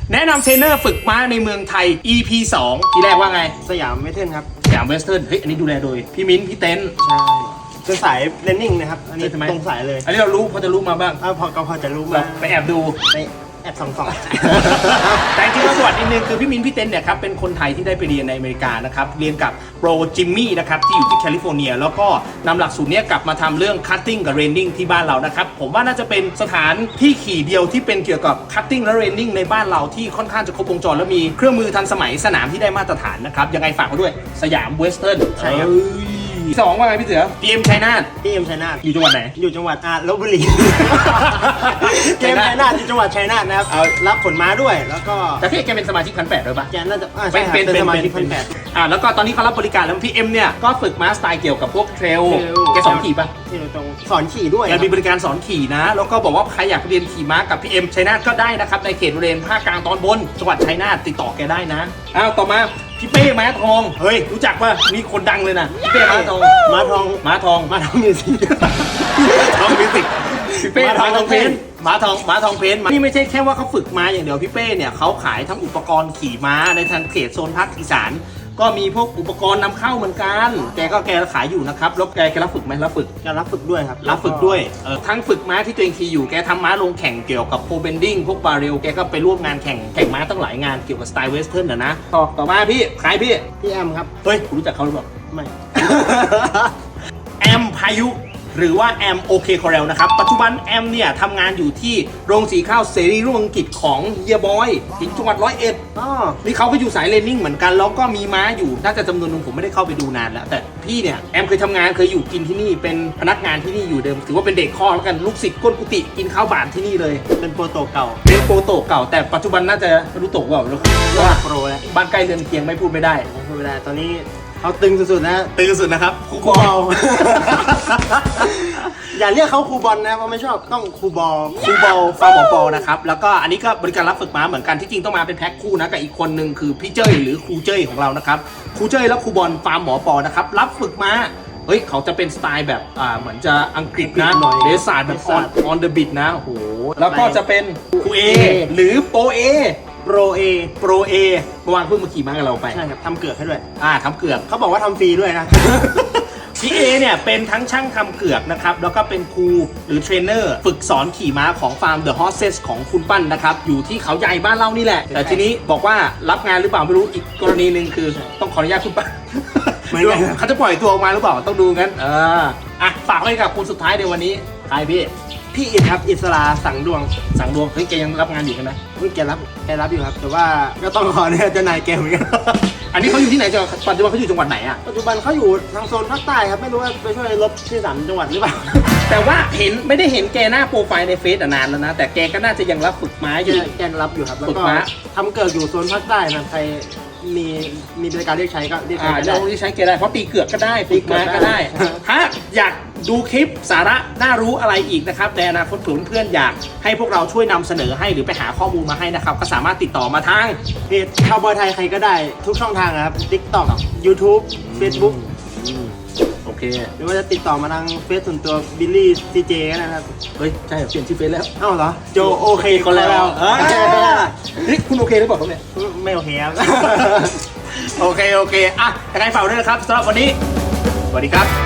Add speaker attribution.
Speaker 1: แนะนำเทรนเนอร์ฝึกม้าในเมืองไทย EP 2ที่แรกว่าไง
Speaker 2: สยามเวทเทิร์นครับ
Speaker 1: สยามเวสเทิร์นเฮ้ยอันนี้ดูแลโดยพี่มิ้นพี่เต้น
Speaker 2: ใช่เป็นสายเรนนิ่งนะครับอันนี้ตรงสายเลย
Speaker 1: อันนี้เรารู้พอจะรู้มาบ้าง
Speaker 2: พอจะรู้มา
Speaker 1: ไปแอบดู
Speaker 2: ไปแอบส่อง
Speaker 1: แต่จริงๆประวัตินิดนึงคือพี่มิ้นพี่เต้นเนี่ยครับเป็นคนไทยที่ได้ไปเรียนในอเมริกานะครับเรียนกับโปรจิมมี่นะครับที่อยู่ที่แคลิฟอร์เนียแล้วก็นำหลักสูตรนี้กลับมาทำเรื่องคัตติ้งกับเรนนิ่งที่บ้านเรานะครับผมว่าน่าจะเป็นสถานที่ขี่เดียวที่เป็นเกี่ยวกับคัตติ้งและเรนนิ่งในบ้านเราที่ค่อนข้างจะครบวงจรและมีเครื่องมือทันสมัยสนามที่ได้มาตรฐานนะครับยังไงฝากไว้ด้วยสยามเวสเทิร์น
Speaker 2: ใช่ครับ
Speaker 1: สองว่าไงพี่เสือ PM ชัยนาท
Speaker 2: PM ชัยนาท
Speaker 1: อยู่จังหวัดไหน
Speaker 2: อยู่จังหวัดลพบุรี PM ชัยนาทอยู่จังหวัดชัยนาทนะครับรับขนม้าด้วยแล้วก็
Speaker 1: แต่พี่แกเป็นสมาชิก1,800ด้วยปะ
Speaker 2: แกน่าจะเป็นสมาชิก1,800
Speaker 1: แล้วก็ตอนนี้เขารับบริการแล้วพี่เอ็มเนี่ยก็ฝึกม้าสไตล์เกี่ยวกับพวกเทรลแกสอนขี่ปะ
Speaker 2: ตรงสอนขี่ด้วย
Speaker 1: แกมีบริการสอนขี่นะแล้วก็บอกว่าใครอยากเรียนขี่ม้ากับพี่เอ็มชัยนาทก็ได้นะครับในเขตบริเวณภาคกลางตอนบนจังหวัดชัยนาทติดต่อแกได้นะต่อมาพี่เป้ม้าทองเฮ้ยรู้จักป่ะมีคนดังเลยนะพี่เป้ม้าทอง
Speaker 2: มิวสิก
Speaker 1: ทองมิวสิกพี่เป้ม้าทองเพนม้าทองเพนนี่ไม่ใช่แค่ว่าเขาฝึกม้าอย่างเดียวพี่เป้เนี่ยเขาขายทั้งอุปกรณ์ขี่ม้าในทางเขตโซนภาคอีสานก็มีพวกอุปกรณ์นำเข้าเหมือนกันแกขายอยู่นะครับแล้วแกรับฝึกไหมรับฝึก
Speaker 2: ด้วยครับ
Speaker 1: รับฝึกด้วยทั้งฝึกม้าที่ตัวเองขี่อยู่แกทำม้าลงแข่งเกี่ยวกับโพเบนดิ้งพวกบาเรลแกก็ไปร่วมงานแข่งม้าตั้งหลายงานเกี่ยวกับสไตล์เวสเทิร์นนะต่อมาพี่ใครพี่
Speaker 2: แอมครับ
Speaker 1: เฮ้ยรู้จักเขาหรือเปล่า
Speaker 2: ไม่
Speaker 1: แอมพายุหรือว่าแอมโอเคคอเรลนะครับปัจจุบันแอมเนี่ยทำงานอยู่ที่โรงสีข้าวเสรีรุ่งอังกฤษของเฮียบอยที่จังหวัด101นี่เขาก็อยู่สายเรนนิ่งเหมือนกันแล้วก็มีม้าอยู่น่าจะจำนวนนึงผมไม่ได้เข้าไปดูนานแล้วแต่พี่เนี่ยแอมเคยทำงานเคยอยู่กินที่นี่เป็นพนักงานที่นี่อยู่เดิมถือว่าเป็นเด็กข้อแล้วกันลูกศิษย์ก้นกุฏิกินข้าวบานที่นี่เลย
Speaker 2: เป็นโปรโตเก่า
Speaker 1: แต่ปัจจุบันน่าจะรู้โตกว่า
Speaker 2: ว่าโปรแล้ว
Speaker 1: บ้านใกล้เรือนเคียงไม่พูดไม่ได้
Speaker 2: ตอนนี้เขาตึงสุดๆนะ
Speaker 1: ตึงสุดนะครับ
Speaker 2: ครูบอล อย่าเรียกเขาครูบอลนะเพราะไม่ชอบต้องครูบอล
Speaker 1: ฟาร์มหมอปอนะครับแล้วก็อันนี้ก็บริการรับฝึกม้าเหมือนกันที่จริงต้องมาเป็นแพ็คคู่นะกับอีกคนหนึ่งคือพี่เจ้ยหรือครูเจ้ยของเรานะครับครูเจ้ยและครูบอลฟาร์มหมอปอนะครับรับฝึกม้าเฮ้ยเขาจะเป็นสไตล์แบบเหมือนจะอังกฤษนะเดซาร์แบบ on the beat นะโอ้โหแล้วก็จะเป็นครูเอหรือโปเอ
Speaker 2: โปรเอ
Speaker 1: เมื่อวานเพิ่งมาขี่ม้ากับเราไป
Speaker 2: ใช่ครับทำเกือกให้ด้วย
Speaker 1: ทำเกือก
Speaker 2: เขาบอกว่าทำฟรีด้วยนะ
Speaker 1: พี่เอเนี่ยเป็นทั้งช่างทำเกือกนะครับแล้วก็เป็นครูหรือเทรนเนอร์ฝึกสอนขี่ม้าของฟาร์ม The Horses ของคุณปั้นนะครับอยู่ที่เขาใหญ่บ้านเรานี่แหละแต่ทีนี้บอกว่ารับงานหรือเปล่าไม่รู้อีกกรณีหนึ่งคือต้องขออนุญาตคุณปั้นเขาจะปล่อยตัวออกมาหรือเปล่าต้องดูงั้นฝากไว้กับคุณสุดท้ายในวันนี้ใครพี่
Speaker 2: อิฐครับอิสราสังดวง
Speaker 1: เฮ้ยแกยังรับงานอยู่ใช่ไหม
Speaker 2: แกรับอยู่ครับแต่ว่าก็ต้องขอเนี่ยเจ้านายแกเหมือนกัน
Speaker 1: อันนี้เขาอยู่ที่ไหนปัจจุบันเขาอยู่จังหวัดไหน
Speaker 2: ปัจจุบันเขาอยู่ทางโซนภาคใต้ครับไม่รู้ว่าไปช่วยลบที่3จังหวัดหรือเปล่า
Speaker 1: แต่ว่าไม่ได้เห็นแกหน้าโปรไฟล์ในเฟซนานแล้วนะแต่แกก็น่าจะยังรับฝึกม้าอยู่
Speaker 2: แกรับอยู่ครับแล้วก็ทำเกิดอยู่โซนภาคใต้นะใครมีบริการเรียกใช้ก็เรียกใช้ได้
Speaker 1: ใช้แกได้เพราะตีเกือกก็ได้ฝึกม้าก็ได้ถ้าอยากดูคลิปสาระน่ารู้อะไรอีกนะครับในอนาคตเพื่อนอยากให้พวกเราช่วยนำเสนอให้หรือไปหาข้อมูลมาให้นะครับก็สามารถติดต่อมาทาง
Speaker 2: เพจคาวบอยไทยใครก็ได้ทุกช่องทางนะครับ TikTok YouTube Facebook
Speaker 1: โอเค
Speaker 2: หรือว่าจะติดต่อมาทางเฟซส่วนตัวบิลลี่ซีเจก็นะครับ
Speaker 1: เฮ้ยใช่เปลี่ยนชื่อเฟซแล้ว
Speaker 2: เหรอโจโอเค
Speaker 1: คนแล้วนี่คุณโอเคหรือเปล่าครับเนี่ย
Speaker 2: ไม่โอเคครับ
Speaker 1: โอเคยังไงฝากด้วยนะครับสำหรับวันนี้สวัสดีครับ